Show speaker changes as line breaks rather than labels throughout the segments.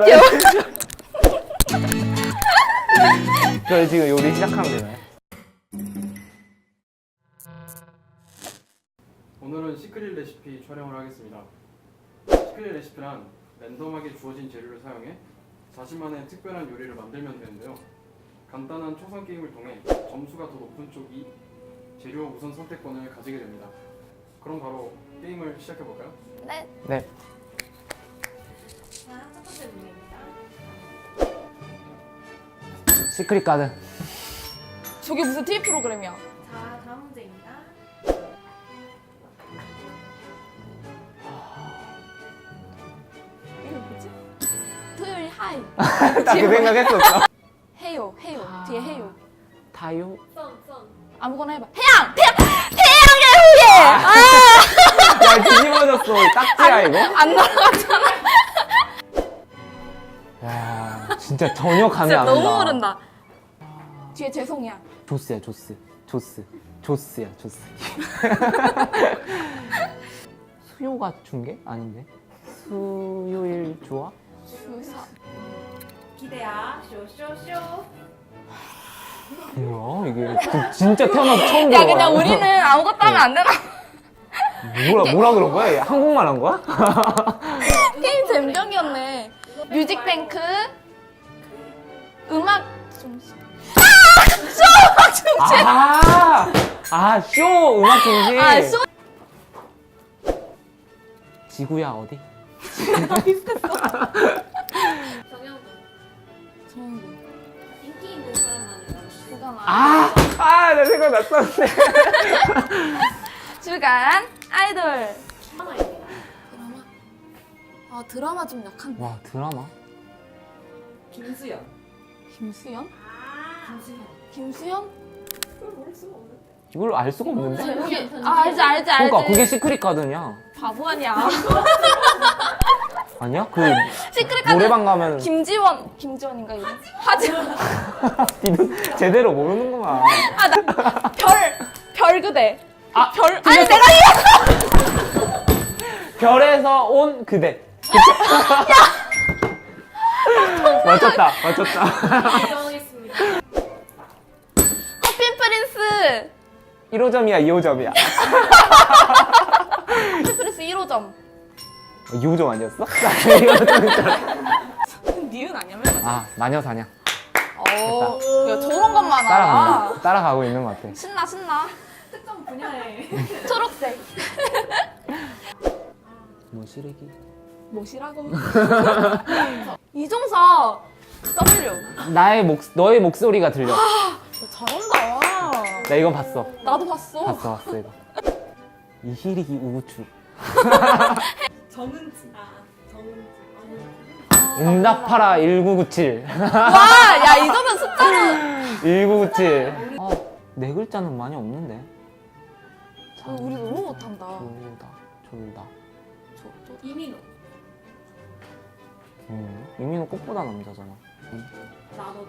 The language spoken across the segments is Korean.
저희 지금 요리 시작하면 되나요?
오늘은 시크릿 레시피 촬영을 하겠습니다. 시크릿 레시피란 랜덤하게 주어진 재료를 사용해 자신만의 특별한 요리를 만들면 되는데요. 간단한 초성 게임을 통해 점수가 더 높은 쪽이 재료 우선 선택권을 가지게 됩니다. 그럼 바로 게임을 시작해볼까요?
네.
네.
자, 첫 번째 문제입니다.
시크릿 가든.
저게 무슨 TV 프로그램이야?
자, 다음 문제입니다.
이게 뭐지? 토요일 하이.
딱 그 생각했었어.
해요. 뒤에 해요.
다요?
선.
아무거나 해봐. 태양의 후예!
야, 뒤집어졌어. 딱지야, 이거?
안 날아갔잖아.
야, 진짜 전혀 감이
진짜
안 온다.
너무 모른다. 뒤에 죄송이야.
조스야, 조스. 조스야, 조스. 수요가 준 게? 아닌데? 수요일 좋아?
주사.
기대야. 쇼쇼쇼.
뭐야, 이게. 진짜 태어나서 처음
야,
들어봐.
그냥 우리는 아무것도 하면 안 되나?
뭐라 그런 거야? 얘 한국말 한 거야?
게임 잼경이었네. 뮤직뱅크. 음악 중심.
쇼 음악 중심.
쇼.
지구야 어디?
정영돈.
정도.
인기 있는 사람만 일하는
주간
나 생각났었는데.
주간 아이돌.
드라마입니다.
드라마? 아, 드라마 좀 약한데.
와 드라마?
김수현.
김수현?
김수현.
김수현?
그걸 모를 수가 없는데.
이걸 알 수가 없는데?
제목이 알지.
그러니까 그게 시크릿 가든이야.
바보 아니야.
아니야? 그
시크릿 가든.
노래방 가면
김지원인가 이거? 하지만
니는 제대로 모르는구만.
별 그대. 별
틀렸어.
아니 내가 이거
별에서 온 그대. 맞췄다.
인정하겠습니다.
커피 프린스.
1호점이야 2호점이야.
커피 프린스 1호점.
2호점 아니었어? 2호점이잖아.
니은 아니야?
아 마녀사냥.
야, 저런 것만 알아.
따라가고 있는 것 같아.
신나.
특정 분야에.
초록색.
뭐 시래기?
뭐시라고? 이종석. W.
너의 목소리가 들려.
너 잘한다.
나 이건 봤어.
나도 봤어.
봤어 이거. 이희리기 우구추.
정은지. 정은지.
응답하라 1997.
와, 야, 이 정도 숫자는.
1997. 네 글자는 많이 없는데.
우리 너무 못한다.
졸다.
이민호.
이민호 꽃보다 남자잖아.
나 너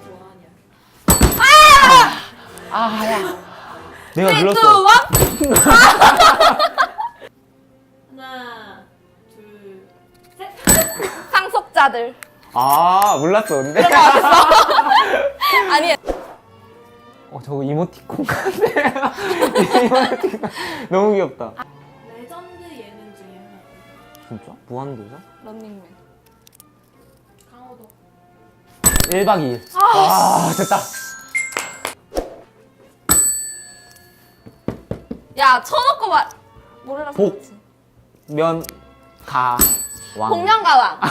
좋아하냐?
야. 내가
3, 2, 1.
눌렀어.
하나, 둘, 셋.
상속자들.
몰랐어 근데.
아니,
저거 이모티콘 같아. 이모티콘. 너무 귀엽다.
레전드 예능 중에 하나.
진짜? 무한도전?
런닝맨.
강호동.
1박 2일. 됐다.
야, 쳐놓고 말. 뭐래라
복.
그랬지?
왕.
복면가왕.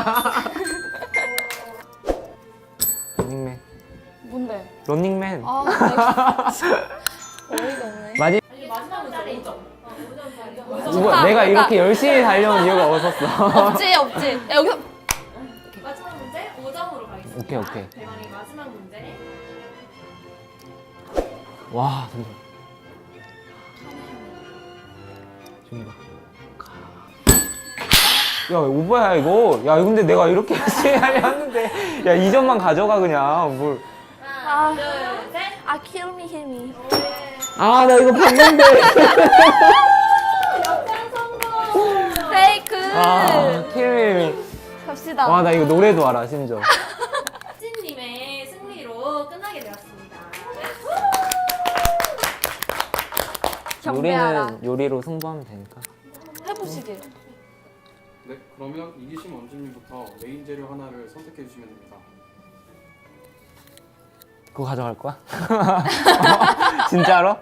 런닝맨.
뭔데?
런닝맨.
내가 어이가 없네.
마지
아니, 마지막 문제 5점. 5점
이거
좋다.
내가
그러니까-
이렇게 열심히 달려온 이유가 없었어.
없지. 야, 여기서.
마지막 문제 5점으로 가겠습니다.
오케이.
대망의 마지막 문제.
와, 잠시만. 준이가. 야, 오버야, 이거. 야, 근데 내가 이렇게 열심히 하려 했는데. 야, 2점만 가져가, 그냥. 뭘.
하나, 둘, 셋.
kill me.
나 이거 봤는데.
역전 성공.
페이크.
킬미.
갑시다.
와, 나 이거 노래도 알아, 심지어.
찐님의 승리로 끝나게 되었습니다.
경배하라.
요리는 요리로 승부하면 되니까.
해보시길.
네, 그러면 이기심 원주님부터 메인 재료 하나를 선택해 주시면 됩니다.
그거 가져갈 거야? 진짜로?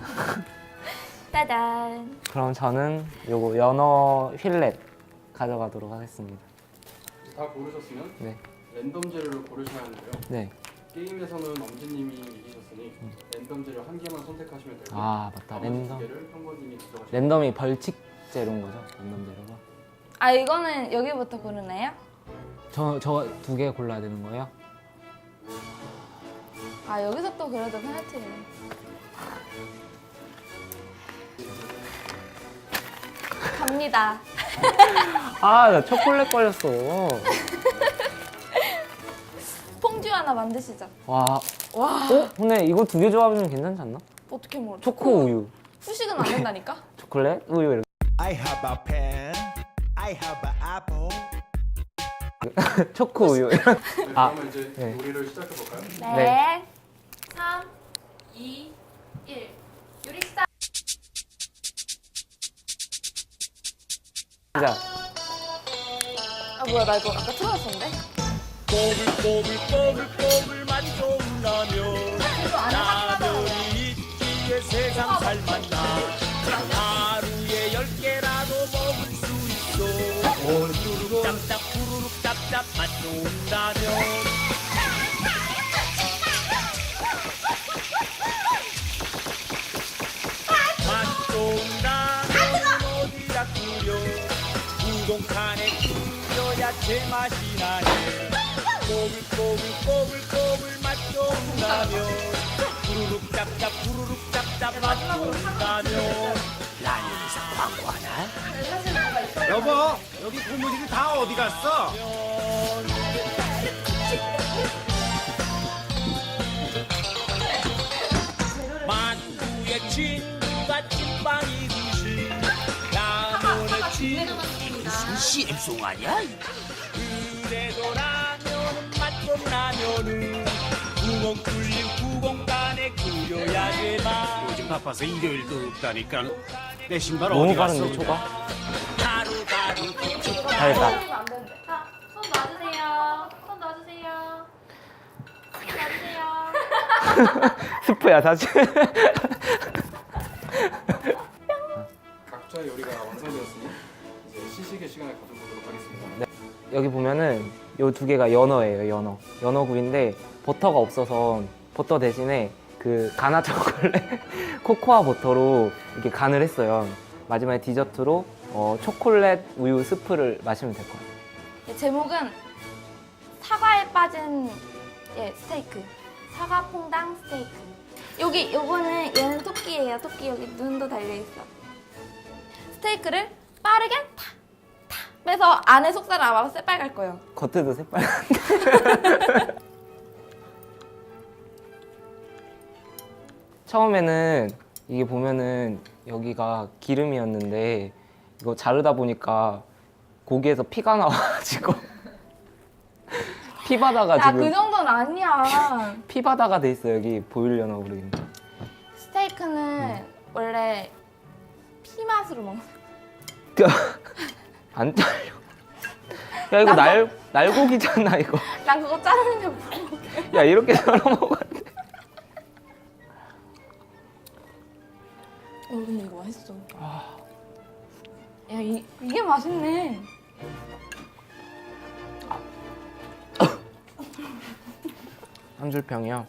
짜잔.
그럼 저는 요거 연어 휠렛 가져가도록 하겠습니다.
다 고르셨으면
네.
랜덤 재료를 고르셔야 하는데요.
네.
게임에서는 엄지님이 이기셨으니 랜덤 재료 한 개만 선택하시면 되고
아, 맞다.
나머지 두
랜덤.
개를 평범님이 가져가시면
랜덤이 벌칙 재료인 거죠? 랜덤 재료가.
아 이거는 여기부터 고르나요?
저 두 개 골라야 되는 거예요?
아 여기서 또 그래도 페널티를. 갑니다.
아, 나 초콜릿 걸렸어.
퐁듀 하나 만드시죠.
와.
와
어? 근데 이거 두 개 조합이면 괜찮지 않나?
어떻게 먹어?
초코 우유.
후식은 안 된다니까?
초콜릿 우유 이렇게.
I have a pen. I have an apple.
초코 우유.
네,
아,
그러면 이제
네.
요리를 시작해 볼까요?
네.
3, 2, 1. 요리 시작!
자,
아 뭐야 나 이거 아까 틀어졌었는데?
꼬불꼬불꼬불꼬불 맛 좋은 라면. 라면이 있기에 세상 살맛나. 하루에 10개라도 먹을 수 있어. 후루룩 짭짭 후루룩 짭짭 맛 좋은 라면. 맛 좋은 라면은 어디다 끓여. 우동칸에 끓여야 제맛이 나네. 꼬불꼬불꼬불꼬불 맛 좋은 라면. 후루룩 짭짭 후루룩 짭짭 맛 좋은 라면. 라면에서 광고 하나?
여보, 여기 고무줄이 다 어디 갔어?
만두의 친구가 찐빵이듯이 라면의 친구 CM송 아니야? 그래도 라면은 맛 좀 라면은 구멍 뚫린 구멍간에 끓여야 제맛.
요즘 바빠서 일요일도 없다니까. 내 신발
너무
어디 갔어?
빠른데 초가?
가루가루
잘했다.
안 되는데. 자, 손 놔주세요. 손 놔주세요. 손 놔주세요.
스프야 사실.
각자의 요리가 완성되었으니 이제 시식의 시간을 가져보도록 하겠습니다.
여기 보면은 요 두 개가 연어예요, 연어구이인데 버터가 없어서 버터 대신에 그 가나 초콜릿 코코아 버터로 이렇게 간을 했어요. 마지막에 디저트로 초콜릿 우유 스프를 마시면 될 것 같아요.
제목은 사과에 빠진 스테이크. 사과 퐁당 스테이크. 요거는 얘는 토끼예요. 토끼 여기 눈도 달려 있어. 스테이크를 빠르게 탁 빼서 안에 속살을 아마 새빨갈 거예요.
겉에도 새빨간. 처음에는 이게 보면은 여기가 기름이었는데 이거 자르다 보니까 고기에서 피가 나와가지고 피바다가
야,
지금
그 정도는 아니야.
피바다가 돼 있어. 여기 보이려나 모르겠네.
스테이크는 원래 피 맛으로 먹는.
안 잘려. 야 이거 날고기잖아 이거.
난 그거 자르는데 모르고.
야 이렇게 썰어 먹어야 돼.
근데 이거 맛있어. 야, 이게 맛있네.
한 줄 평이요.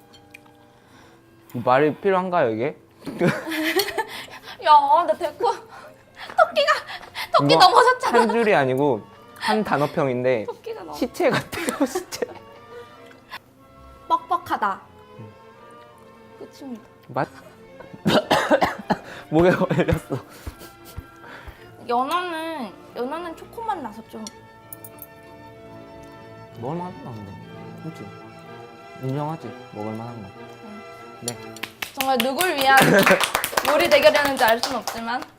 말이 필요한가요 이게?
야, 나 데리고 토끼
이거
넘어졌잖아.
한 줄이 아니고 한 단어평인데
토끼가 너무
시체 같아요 시체.
뻑뻑하다. 끝입니다.
맛? 목에 걸렸어.
연어는 초코맛 나서 좀
먹을만하다 근데. 그렇지? 인정하지? 먹을만한 거. 네.
정말 누굴 위한 요리 대결이었는지 알 수는 없지만